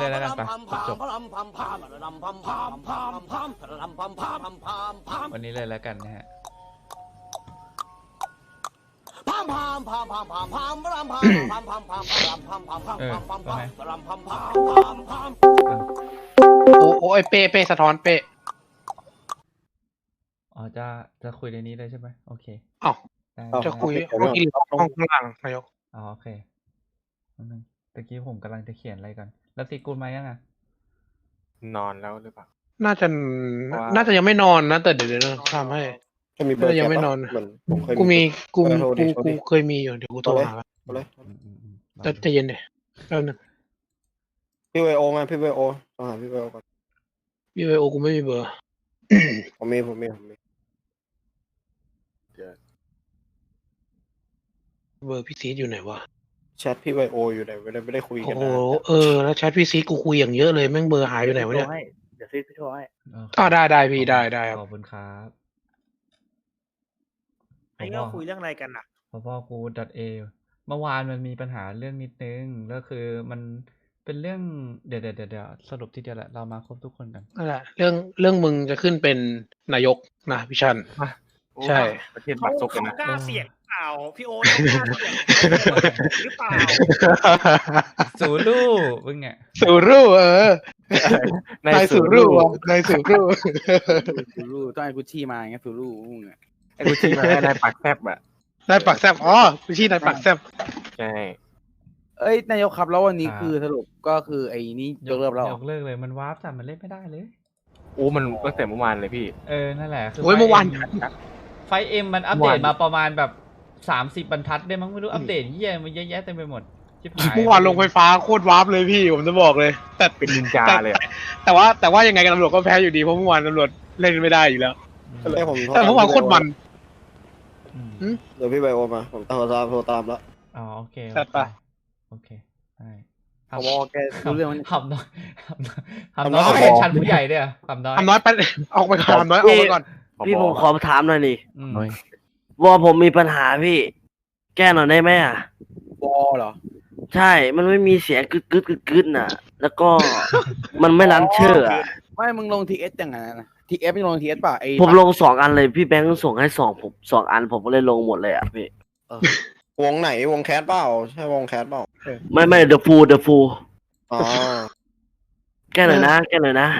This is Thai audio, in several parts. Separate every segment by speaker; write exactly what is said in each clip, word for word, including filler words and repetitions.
Speaker 1: เลยแล้วกันไปจบวันนี้เลยแล้วกันนะฮะเออว่าไง
Speaker 2: โอ้โอ้ไอเป้เป้สะท้อนเป้
Speaker 1: อ๋อจะจะคุยในนี้เลยใช่ไหมโอเค
Speaker 2: อ้าว
Speaker 1: ได้
Speaker 2: จะคุยห้องกินห้องข้างล่างนายก
Speaker 1: อ๋อโอเคนิดนึงตะกี้ผมกำลังจะเขียนอะไรก่อนแล้วตีกูลมายังอ่ะ
Speaker 3: นอนแล้วหรือเปล่า
Speaker 2: น่าจะ
Speaker 3: เพราะว่า
Speaker 2: น่าจะยังไม่นอนนะแต่เดี๋ยวเดี๋ยวทำให้
Speaker 4: จะมีเบอร์
Speaker 2: ยัง
Speaker 4: แก
Speaker 2: ไม่
Speaker 4: ปะ
Speaker 2: นอน
Speaker 4: เหมือนผมเคย
Speaker 2: กูมีกู
Speaker 4: เออโทรดิ
Speaker 2: กู
Speaker 4: โทร
Speaker 2: กู
Speaker 4: ดิ
Speaker 2: เคยมีอยู่เดี๋ยวกูโทรหา
Speaker 4: เอาเลย
Speaker 1: อืมอืมอืมรอ
Speaker 2: จะ
Speaker 1: ดู
Speaker 2: จะเย็นเดี๋ยวแป๊บนึง
Speaker 4: พี่ไวโอมาพี่ไวโอต้องหาพี่ไวโอก่อน
Speaker 2: พี่ไวโอกูไม่มีเบอร์
Speaker 4: ผมมีผมมีผมมี
Speaker 2: เบอร์พี่ซีดอยู่ไหนวะ
Speaker 4: แชทพี่ไวโออยู่ไหนไม่ได้ไม่ได้คุย
Speaker 2: โอ้
Speaker 4: กัน
Speaker 2: โห
Speaker 4: นะ
Speaker 2: เออแล้วแชทพี่ซีดกูคุยอย่างเยอะเลยแม่งเบอร์หายอยู่ไหนวะเนี่ย
Speaker 5: เดี๋ยวซีพี่โทรให้
Speaker 1: โอเค
Speaker 2: อ่าได้ได้พี่ได้ได้ครับ
Speaker 1: ขอบคุณครับ
Speaker 5: ไอ้ก็คุยเรื่องอะไรกันอ่ะ
Speaker 1: พอพ่อกู .a เมื่อวานมันมีปัญหาเรื่องนิดนึงแล้วคือมันเป็นเรื่องเดี๋ยวเดี๋ยวเดี๋ยวเดี๋ยวสรุปทีเดียวแหละเรามาครบทุกคนกัน
Speaker 2: นั่นแหละเรื่องเรื่องมึงจะขึ้นเป็นนายกนะพี่ชัน ใช่
Speaker 3: ประเทศ
Speaker 5: เขา
Speaker 3: บัตรซบกัน
Speaker 5: เขา
Speaker 3: นะ
Speaker 5: กล้าเสี่ยงเปล่า พี่โอ๊ตเขากล้าเสี่ยงหรือเปล่า
Speaker 1: สูรูมึงเนี่ย
Speaker 2: สูรูเออ
Speaker 3: ใน
Speaker 2: นาย
Speaker 3: สู
Speaker 2: สู
Speaker 3: รู
Speaker 2: รูอ่ะนายสูรู
Speaker 6: สูรูต้องไอ้กุชชี่มาอย่างเงี้ยสูรูพวกเนี้ย
Speaker 3: ไอ้กูชี้มาให้ได้ปากแซบอ่ะ
Speaker 2: นายปากแซบอ๋อพี่ชี้นายปากแซบ
Speaker 3: ใช่
Speaker 6: เอ้ยนายกครับแล้ววันนี้
Speaker 1: ครับ
Speaker 6: คือสรุปก็คือไอ้นี่ยกเลิกแล้วเหร
Speaker 1: ย
Speaker 6: อก
Speaker 1: เลิกเลยมันวาร์ปจัดมันเล่นไม่ได้เลย
Speaker 3: โอ้มันตั้งแต่เมื่อวานเลยพี่
Speaker 1: เออนั่นแหละคือ
Speaker 2: โอ้ยเมื่อวาน
Speaker 1: ไฟเอ็มมันอัปเดตมาประมาณแบบสามสิบบรรทัดได้มั้งไม่รู้อัปเดตเยี่ยมันเยอะแยะเต็มไปหมดชิบหาย
Speaker 2: เมื่อวานลงไฟฟ้าโคตรวาร์ปเลยพี่ผมจะบอกเลย แต่
Speaker 3: เป็นนินจาเลยอะ
Speaker 2: แต่ว่าแต่ว่ายังไงกันตำรวจก็แพ้อยู่ดีเพราะเมื่อวานตำรวจเล่นไม่ได้อยู่แล้ว
Speaker 1: อืม
Speaker 4: ก็เลยผมโทร
Speaker 2: แต่เมื่อวานโคตรมัน
Speaker 1: อืม
Speaker 4: เดี๋ยวพี่ไวโอมาผมโทรตามโทรตามแล้ว
Speaker 1: อ๋อโอเค
Speaker 2: จัดไป
Speaker 1: โอเคได้
Speaker 6: เขาบอกแกรู้เรื่องมัน
Speaker 1: ทำน้อยทำน้อยทำน้อยเป็นชั้นผู้ใหญ่ด้วยอะทำน้อย
Speaker 2: ทำน้อยไปออกไปก่อนทำน้อยออกไปก่อน
Speaker 7: พี่ผมขอถามหน่อยนี่
Speaker 1: อืม
Speaker 7: วอผมมีปัญหาพี่ แก้หน่อยได้ไหมอ่ะ
Speaker 6: วอเหรอ
Speaker 7: ใช่ มันไม่มีเสียงกึดกึดกึดกึดน่ะ แล้วก็ มันไม่รันเชื่ออะ
Speaker 6: ไม่มึงลงทีเอสอย่างไงนะทีเอฟไม่ลงทีเอสป่ะไอ้
Speaker 7: ผมลงสองอันเลยพี่แบงค์ส่งให้สองผมสองอันผมก็เลยลงหมดเลยอ่ะพี่
Speaker 4: วงไหนวงแคสเปล่าใช่วงแคสเปล่า
Speaker 7: ไม่ไม่เดอะฟูเดอะฟู
Speaker 4: อ๋อ
Speaker 7: แก้หน่อยนะ แก้หน่อยนะ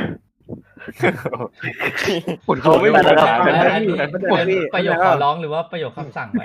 Speaker 2: ปวด
Speaker 3: เขาไม่
Speaker 2: หั
Speaker 3: มี
Speaker 2: ว
Speaker 3: ปัญหา
Speaker 1: อัน
Speaker 3: เลย
Speaker 1: อันนี้
Speaker 3: นะ
Speaker 1: ประโยคขอร้องหรือว่าประโยคคำสั่งไว้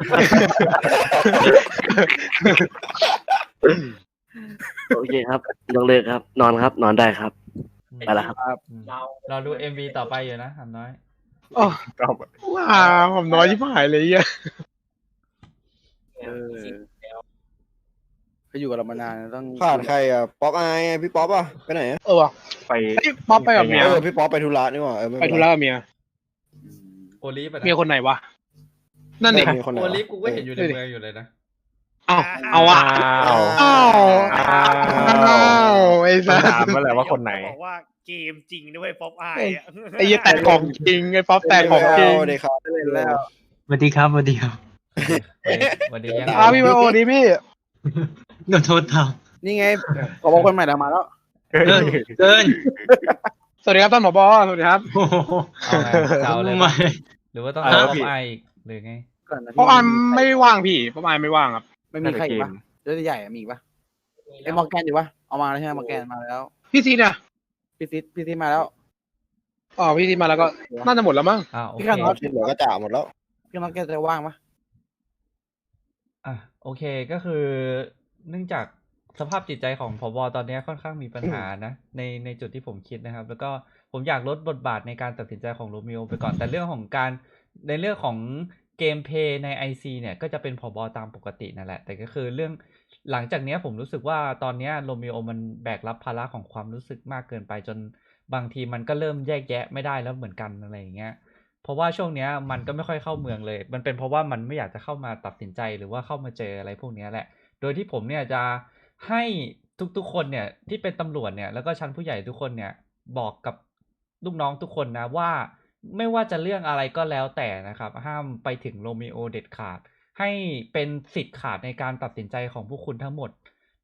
Speaker 7: โอเคครับยกเลิกครับ นอนครับ นอนได้ครับ ไปละครับ
Speaker 1: อืมเราดูเอ็มวีต่อไปอยู่นะทำน้อย
Speaker 2: โอ้ว้าผมน้อยที่หายเลยอ่ะ
Speaker 6: เออเขาอยู่กับเรามานานต้อง
Speaker 4: ขาดใครอ่ะป๊อปไอายพี่ป๊อปอ่ะไปไหนอะ
Speaker 2: เออว่ะ
Speaker 3: ไป
Speaker 2: ไอ้ป๊อปไปกับเมีย
Speaker 4: เออพี่ป๊อปไปธุระนี่หว่าเออม่
Speaker 2: ไป
Speaker 4: เป็น
Speaker 2: ธุ
Speaker 4: ไร
Speaker 2: ระกับเมีย
Speaker 1: โอลิฟอะนะ
Speaker 2: เมียคนไหนวะนั่นดิ
Speaker 4: เออมีคนไหน
Speaker 1: โอ
Speaker 4: วะ
Speaker 1: ลิฟกูก็เห็นอยู่ในเมืองอยู่เลยนะ
Speaker 2: เอาเอาอ่ะ
Speaker 3: อ้าว
Speaker 2: อ้าว
Speaker 3: อ้า
Speaker 2: อ้าว วไอ้สั
Speaker 3: ต้อง
Speaker 2: ส
Speaker 3: ถามมาแหละว่าคนไหน
Speaker 5: บอกว่าเกมจริงด้วยป๊อปอายอะ
Speaker 2: ไอ้ยี่แต่ของจริงไอ้ป๊อปแต่ของจริง
Speaker 4: เดี๋ยวครับ
Speaker 6: เล่นแล้ว
Speaker 8: สวัสดีครับสวัสดีครับ
Speaker 1: สวัสดียัง
Speaker 2: อ้าวพี่ไวโอดีพี่
Speaker 8: ขอโทษครับ
Speaker 6: นี่ไงขอบอกคนใหม่เดี๋ยวมาแล้ว
Speaker 8: เกินเกิน
Speaker 2: สวัสดีครับท่านผบสวัสดีครับ
Speaker 8: โอ้โห
Speaker 1: เอาไงเอาเลย
Speaker 8: ไม่
Speaker 1: ปะหรือว่าต้อง
Speaker 3: เอา
Speaker 1: เอา
Speaker 3: แล้วพี่
Speaker 1: ไออีกหรือไง
Speaker 6: ก่อนนะ
Speaker 2: เพราะอานไม่ว่างพี่เพราะอานไม่ว่างครับ
Speaker 6: ไม่มีใครอีกปะเรื่องใหญ่อะมีอีกปะไอ้มอร์แกนอยู่ปะเอามาแล้วใช่ไหมมอร์แกนมาแล้ว
Speaker 2: พี่ซีเนี่ย
Speaker 6: พี่ซิดพี่ซิดมาแล้ว
Speaker 2: อ๋อพี่ซีมาแล้วก็น่าจะหมดแล้วมั้ง
Speaker 1: อ่าโอ
Speaker 6: พี่
Speaker 1: เค
Speaker 6: ข้างนอก
Speaker 4: ที่เหลือก็จ่าหมดแล้ว
Speaker 6: พี่มอร์แกนจะว่างปะ
Speaker 1: อ่ะโอเคก็คือ เนื่องจากสภาพจิตใจของผบตอนนี้ค่อนข้างมีปัญหานะ ในในจุดที่ผมคิดนะครับ แล้วก็ผมอยากลดบทบาทในการตัดสินใจของโรมิโอไปก่อนแต่เรื่องของการในเรื่องของเกมเพลย์ใน ไอ ซี เนี่ยก็จะเป็นผบตามปกตินั่นแหละแต่ก็คือเรื่องหลังจากนี้ผมรู้สึกว่าตอนนี้โรมิโอมันแบกรับภาระของความรู้สึกมากเกินไปจนบางทีมันก็เริ่มแยกแยะไม่ได้แล้วเหมือนกันอะไรอย่างเงี้ยเพราะว่าช่วงเนี้ยมันก็ไม่ค่อยเข้าเมืองเลย มันเป็นเพราะว่ามันไม่อยากจะเข้ามาตัดสินใจหรือว่าเข้ามาเจออะไรพวกนี้แหละโดยที่ผมเนี่ยจะให้ทุกๆคนเนี่ยที่เป็นตำรวจเนี่ยแล้วก็ชั้นผู้ใหญ่ทุกคนเนี่ยบอกกับลูกน้องทุกคนนะว่าไม่ว่าจะเรื่องอะไรก็แล้วแต่นะครับห้ามไปถึงโรมิโอเด็ดขาดให้เป็นสิทธิ์ขาดในการตัดสินใจของพวกคุณทั้งหมด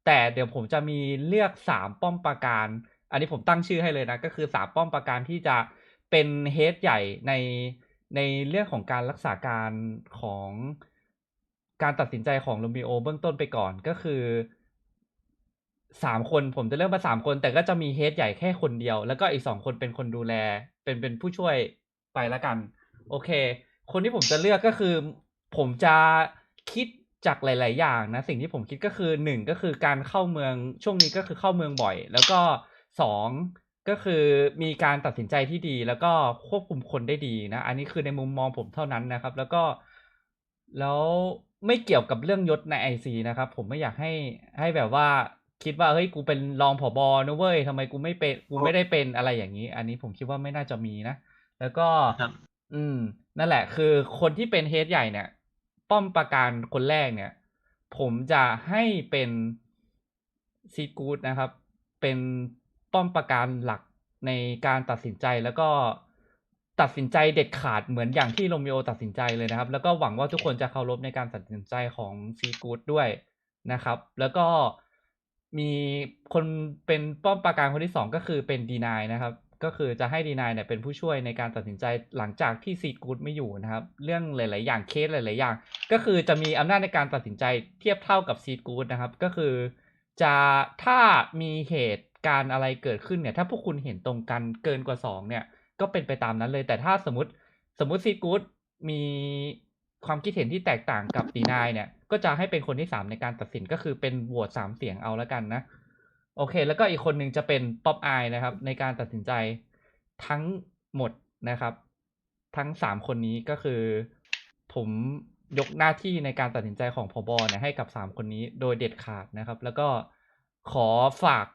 Speaker 1: แต่เดี๋ยวผมจะมีเลือกสามป้อมปราการ อันนี้ผมตั้งชื่อให้เลยนะ ก็คือสามป้อมปราการที่จะเป็นเฮดใหญ่ในในเรื่องของการรักษาการของการตัดสินใจของโรมิโอเบื้องต้นไปก่อนก็คือสามคนผมจะเลือกมาสามคน แต่ก็จะมีเฮดใหญ่แค่คนเดียว แล้วก็อีกสองคนเป็นคนดูแล เป็นเป็นผู้ช่วยไปละกัน โอเค คนที่ผมจะเลือกก็คือ ผมจะคิดจากหลาย ๆ อย่างนะ สิ่งที่ผมคิดก็คือหนึ่งก็คือการเข้าเมืองช่วงนี้ก็คือเข้าเมืองบ่อย แล้วก็สองก็คือมีการตัดสินใจที่ดี แล้วก็ควบคุมคนได้ดีนะ อันนี้คือในมุมมองผมเท่านั้นนะครับ แล้วก็แล้วไม่เกี่ยวกับเรื่องยศใน ไอ ซี นะครับ ผมไม่อยากให้ให้แบบว่าคิดว่าเฮ้ยกูเป็นรองผบนะเว้ยทำไมกูไม่เป็นกูไม่ได้เป็นอะไรอย่างนี้ อันนี้ผมคิดว่าไม่น่าจะมีนะ แล้วก็
Speaker 8: ครับ
Speaker 1: อืม นั่นแหละ คือคนที่เป็นเฮดใหญ่เนี่ย ป้อมปราการคนแรกเนี่ย ผมจะให้เป็นซีกูดนะครับ เป็นป้อมปราการหลักในการตัดสินใจแล้วก็ตัดสินใจเด็ดขาดเหมือนอย่างที่โรมิโอตัดสินใจเลยนะครับ แล้วก็หวังว่าทุกคนจะเคารพในการตัดสินใจของซีกูดด้วยนะครับ แล้วก็มีคนเป็นป้อมปราการคนที่สองก็คือเป็นดีนายนะครับ ก็คือจะให้ดีนายเนี่ยเป็นผู้ช่วยในการตัดสินใจหลังจากที่ซีกูดไม่อยู่นะครับ เรื่องหลาย ๆ อย่างเคสหลาย ๆ อย่าง ก็คือจะมีอำนาจในการตัดสินใจเทียบเท่ากับซีกูดนะครับ ก็คือจะถ้ามีเหตุการณ์อะไรเกิดขึ้นเนี่ย ถ้าพวกคุณเห็นตรงกันเกินกว่าสองเนี่ย ก็เป็นไปตามนั้นเลย แต่ถ้าสมมติสมมติซีกูดมีความคิดเห็นที่แตกต่างกับดีนายเนี่ย ก็จะให้เป็นคนที่สามในการตัดสินก็คือเป็นโหวตสามเสียงเอาแล้วกันนะ โอเค แล้วก็อีกคนหนึ่งจะเป็นป๊อปอายนะครับในการตัดสินใจทั้งหมดนะครับ ทั้งสามคนนี้ก็คือผมยกหน้าที่ในการตัดสินใจของผบเนี่ยให้กับสามคนนี้โดยเด็ดขาดนะครับ แล้วก็ขอฝาก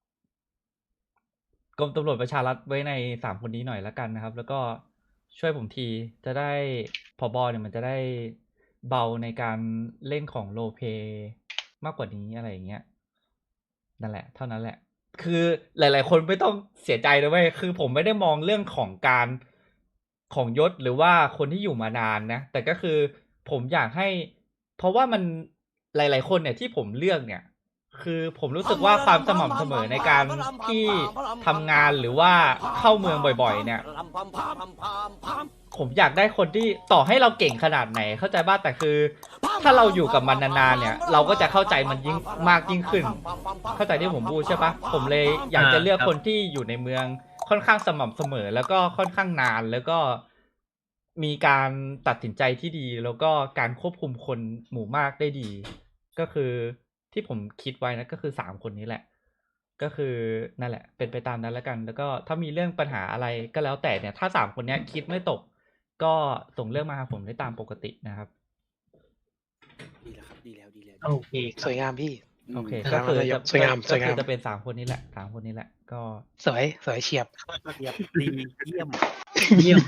Speaker 1: กรมตำรวจประชารัฐไว้ในสามคนนี้หน่อยละกันนะครับ แล้วก็ช่วยผมทีจะได้ผบเนี่ยมันจะได้เบาในการเล่นของโรลเพลย์มากกว่านี้อะไรอย่างเงี้ย นั่นแหละเท่านั้นแหละ คือหลาย ๆ คนไม่ต้องเสียใจนะเว้ยคือผมไม่ได้มองเรื่องของการของยศหรือว่าคนที่อยู่มานานนะ แต่ก็คือผมอยากให้ เพราะว่ามันหลาย ๆ คนเนี่ยที่ผมเลือกเนี่ย คือผมรู้สึกว่าความสม่ำเสมอในการที่ทำงานหรือว่าเข้าเมืองบ่อย ๆ เนี่ย ผมอยากได้คนที่ต่อให้เราเก่งขนาดไหนเข้าใจบ้างแต่คือ ถ้าเราอยู่กับมันนานๆเนี่ย เราก็จะเข้าใจมันยิ่งมากยิ่งขึ้น เข้าใจที่ผมพูดใช่ปะผมเลยอยากจะเลือกคนที่อยู่ในเมืองค่อนข้างสม่ำเสมอ แล้วก็ค่อนข้างนานแล้วก็มีการตัดสินใจที่ดี แล้วก็การควบคุมคนหมู่มากได้ดี ก็คือที่ผมคิดไว้นะก็คือสามคนนี้แหละ ก็คือนั่นแหละ เป็นไปตามนั้นแล้วกัน แล้วก็ถ้ามีเรื่องปัญหาอะไรก็แล้วแต่เนี่ย ถ้าสามคนเนี้ยคิดไม่ตก ก็ส่งเรื่องมาหาผมได้ตามปกตินะครับ
Speaker 6: ดีแล้วครับดีแล้วดีแล้ว
Speaker 8: โอเคค
Speaker 2: ส
Speaker 8: รับ
Speaker 2: วยงามพี่
Speaker 1: โอเค
Speaker 2: ครั
Speaker 1: ก็
Speaker 2: บ
Speaker 1: คือ
Speaker 2: ครับ
Speaker 1: จะ
Speaker 2: สวยงาม
Speaker 1: ก็
Speaker 2: สวยงาม
Speaker 1: คือจะเป็นสามคนนี้แหละสามคนนี้แหละ ก็
Speaker 2: สวยสวยเฉียบ
Speaker 6: เยี่ยมดีเยี่ยม
Speaker 8: เยี่ยม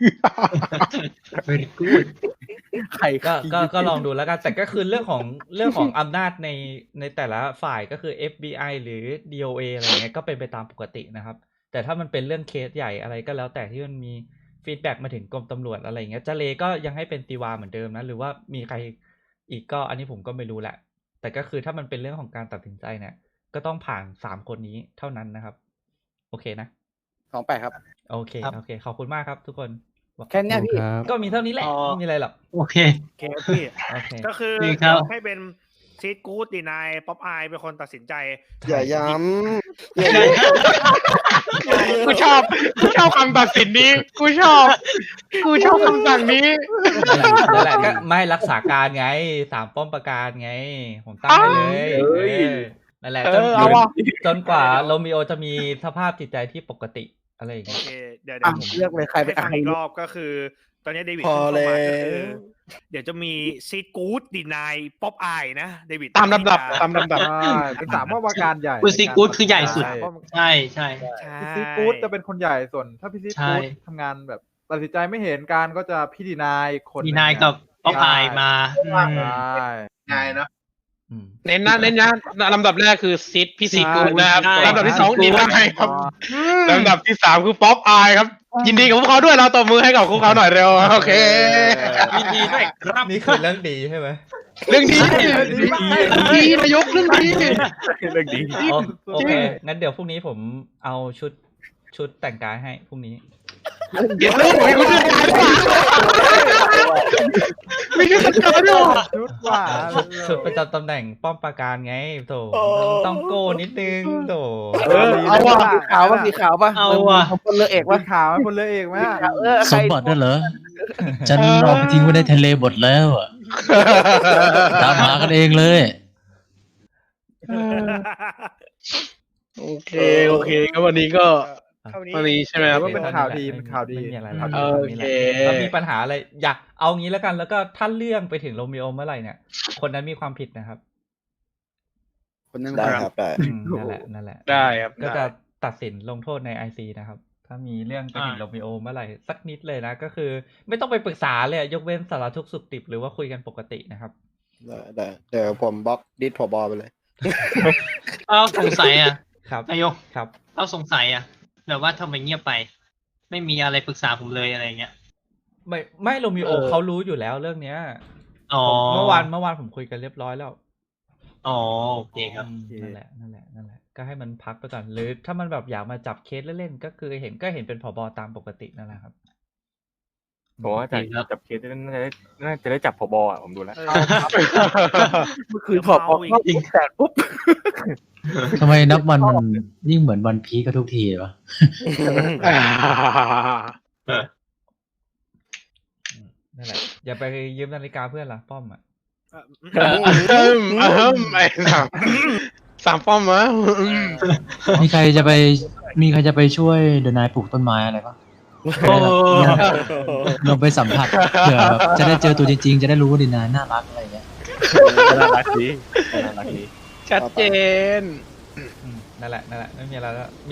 Speaker 8: very good
Speaker 6: ใคร
Speaker 1: ก็ก็ก็ลองดูแล้วกัน แต่ก็คือเรื่องของเรื่องของอำนาจในในแต่ละฝ่ายก็คือ เอฟ บี ไอ หรือ ดี โอ เอ อะไรเงี้ยก็เป็นไปตามปกตินะครับ แต่ถ้ามันเป็นเรื่องเคสใหญ่อะไรก็แล้วแต่ที่มันมีฟีดแบ็กมาถึงกรมตำรวจอะไรเงี้ยเจเลก็ยังให้เป็นตีวาเหมือนเดิมนะ หรือว่ามีใครอีกก็อันนี้ผมก็ไม่รู้แหละ แต่ก็คือถ้ามันเป็นเรื่องของการตัดสินใจเนี่ย ก็ต้องผ่านสามคนนี้เท่านั้นนะครับ โอเคนะ
Speaker 6: สองแปดครับ
Speaker 1: โอเคโอเคขอบคุณมากครับทุกคน
Speaker 6: แค่เนี้ยพี่
Speaker 1: ก็มีเท่านี้แหละ
Speaker 5: อ๋อ
Speaker 1: ไม่มีอะไรหรอก
Speaker 8: โอเค
Speaker 5: โอเคพี่
Speaker 1: โอเค
Speaker 5: ก็คือ
Speaker 8: ดีครับ
Speaker 5: ให้เป็นซีดกู๊ดดีนายป๊อปอายเป็นคนตัดสินใจ
Speaker 4: อย่าย้ำอย่าย้ำ
Speaker 2: กูชอบกูชอบคำตัดสินนี้ กูชอบ กูชอบคำสั่งนี้
Speaker 1: นั่นแหละก็ไม่รักษาการไงสามป้อมปราการไง ผมตั้งให้เลยเออนั่นแหละจน
Speaker 2: เออเอาว่ะ
Speaker 1: จนกว่าโรมิโอจะมีสภาพจิตใจที่ปกติอะไรอย่าง
Speaker 5: โอ
Speaker 1: เงี้ย
Speaker 5: เค เดี๋ยวเดี๋
Speaker 6: อ่ะ
Speaker 5: ยวผม
Speaker 6: เลือกเลยใครไป
Speaker 5: ให้ฟั
Speaker 6: อ่ะ
Speaker 5: งอีกรอบก็คือ ตอนนี้เดวิด
Speaker 4: พอ
Speaker 5: เพิ่ง
Speaker 4: แล้
Speaker 5: เข้ามาก็คือ
Speaker 4: ว
Speaker 5: เดี๋ยวจะมีซีดกู๊ดดีนายป๊อปอายนะเดวิด
Speaker 2: ตามลำดับ
Speaker 5: ที่จะ
Speaker 2: ตามลำดับ
Speaker 9: ใช่เป็นสามป้อมปราการใหญ่
Speaker 8: คุณซีกู๊ดคือใหญ่สุด
Speaker 9: ใช่
Speaker 8: ใช่ใช่
Speaker 5: ใช่
Speaker 9: พี่ซีกู๊ดจะเป็นคนใหญ่ส่วน ถ้าพี่ซี
Speaker 8: ใช่
Speaker 9: กู๊ดทำงานแบบตัดสินใจไม่เห็นการก็จะพี่ดีนายคนห
Speaker 8: ดี
Speaker 9: ง
Speaker 8: นายกับป๊อปอายมาอืม
Speaker 9: ใช่
Speaker 3: ง่ายเนาะ
Speaker 1: อืม
Speaker 2: เน้นนะเน้นนะลำดับแรกคือซิดพี่ซีกูดนะครับ
Speaker 8: ใช่
Speaker 2: ลำดับที่สองดีนายครับ
Speaker 9: อ๋อ
Speaker 2: ลำดับที่สามคือป๊อปอายครับยินดีกับพวกเขาด้วยเราตบมือให้กับพวกเขาหน่อยเร็วโอเค
Speaker 8: ยินดีด้วยครับ
Speaker 1: นี่คือเรื่องดีใช่ไหม
Speaker 2: เรื่องดีดีนายกเรื่องดี
Speaker 3: เรื่องดี
Speaker 1: โอโอเค งั้นเดี๋ยวพรุ่งนี้ผมเอาชุดชุดแต่งกายให้พรุ่งนี้
Speaker 2: เดี๋ยวเลยไม่รู้จะตายหรือเปล่าไม่รู้จะตายหรือเปล่า
Speaker 9: ชุดหว่า
Speaker 1: ชุดชุดประจำตำแหน่งป้อมปราการไงโถต้องโก้นิดนึงโถ
Speaker 6: เออเอาว่ะสีขาวป่ะสีขาวป่ะ
Speaker 8: เอาว่ะ
Speaker 6: มันคนเลือกเอก
Speaker 9: ว่า
Speaker 6: ป่ะ
Speaker 9: ขาวคนเลยเอกไหมอะ
Speaker 6: เออใค
Speaker 10: ส
Speaker 6: ร
Speaker 10: มบัตินั่นเหรอ ฉันเอาไปทิ้งไว้ในทะเลหมดแล้วอะตามหากันเองเลย
Speaker 2: โอเคโอเคก็วันนี้ก็
Speaker 5: เท่านี้
Speaker 2: วันนี้ใช่ไหมครับ
Speaker 9: ว่าเป็นข่าวดีเป็นข่าวดี
Speaker 1: ไม่มีอะไร
Speaker 9: ข่าว
Speaker 1: แล้
Speaker 9: ดี
Speaker 1: ว
Speaker 2: โอเค
Speaker 1: ถ้ามีปัญหาอะไรอยากเอางี้แล้วกัน แล้วก็ถ้าเรื่องไปถึงโรมิโอเมื่อไหร่เนี่ย คนนั้นมีความผิดนะครับ
Speaker 6: คนนั้น
Speaker 4: ได้ครับได้
Speaker 1: อืมนั่นแหละนั่นแหละ
Speaker 2: ได้ครับ
Speaker 1: ก็จะ
Speaker 2: ได้
Speaker 1: ตัดสินลงโทษในไอซีนะครับ ถ้ามีเรื่องไปถึง
Speaker 8: อ่า
Speaker 1: โรมิโอเมื่อไหร่สักนิดเลยนะ ก็คือ ไม่ต้องไปปรึกษาเลยอะยกเว้นสารทุกข์สุขดิบหรือว่าคุยกันปกตินะครับ
Speaker 4: ได้ได้เดี๋ยวผมบล็อกดิสผบไปเลย
Speaker 8: เอาสงสัยอ่ะ
Speaker 1: ครับ
Speaker 8: นายก
Speaker 1: ครับ
Speaker 8: เอาสงสัยอ่ะแบบว่าทำไมเงียบไป ไม่มีอะไรปรึกษาผมเลยอะไรเงี้ย
Speaker 1: ไม่ไม่โรมิโอ
Speaker 2: เออ
Speaker 1: เขารู้อยู่แล้วเรื่องเนี้ย
Speaker 8: อ๋อ
Speaker 1: เมื่อวานเมื่อวานผมคุยกันเรียบร้อยแล้ว
Speaker 8: อ๋อโอเคครับ
Speaker 1: อืมนั่นแหละนั่นแหละนั่นแหละก็ให้มันพักไปก่อนหรือถ้ามันแบบอยากมาจับเคสเล่นๆก็คือเห็นก็เห็นเป็นผบตามปกตินั่นแหละครับ
Speaker 3: ผมว่าจะ
Speaker 8: ดีครับ
Speaker 3: จับเคสน่าจะได้น่าจะได้จับผบอ่ะผมดูแล้ว
Speaker 6: เมื่อคืนพอออกนอกยิงแตกปุ๊บ
Speaker 10: ทำไมนับวันมันยิ่งเหมือนวันพีคก็ทุกทีวะ
Speaker 1: นั่นแหละอย่าไปยืมนาฬิกาเพื่อนล่ะป้อมอ่ะ
Speaker 2: เอิ่มเอิ่มไอ้สามสามป้อมวะอืม
Speaker 10: มีใครจะไป มีใครจะไปช่วยเดนายปลูกต้นไม้อะไรปะ
Speaker 2: โอ้
Speaker 10: ลองไปสัมผัสเผื่อแบบจะได้เจอตัวจริงๆ จะได้รู้ว่าเดนายน่ารักอะไรเงี้ย
Speaker 3: น่ารักดีน่ารักดี
Speaker 2: ชัดเจน
Speaker 1: อืมนั่นแหละนั่นแหละไม่มีอะไรแล้วมี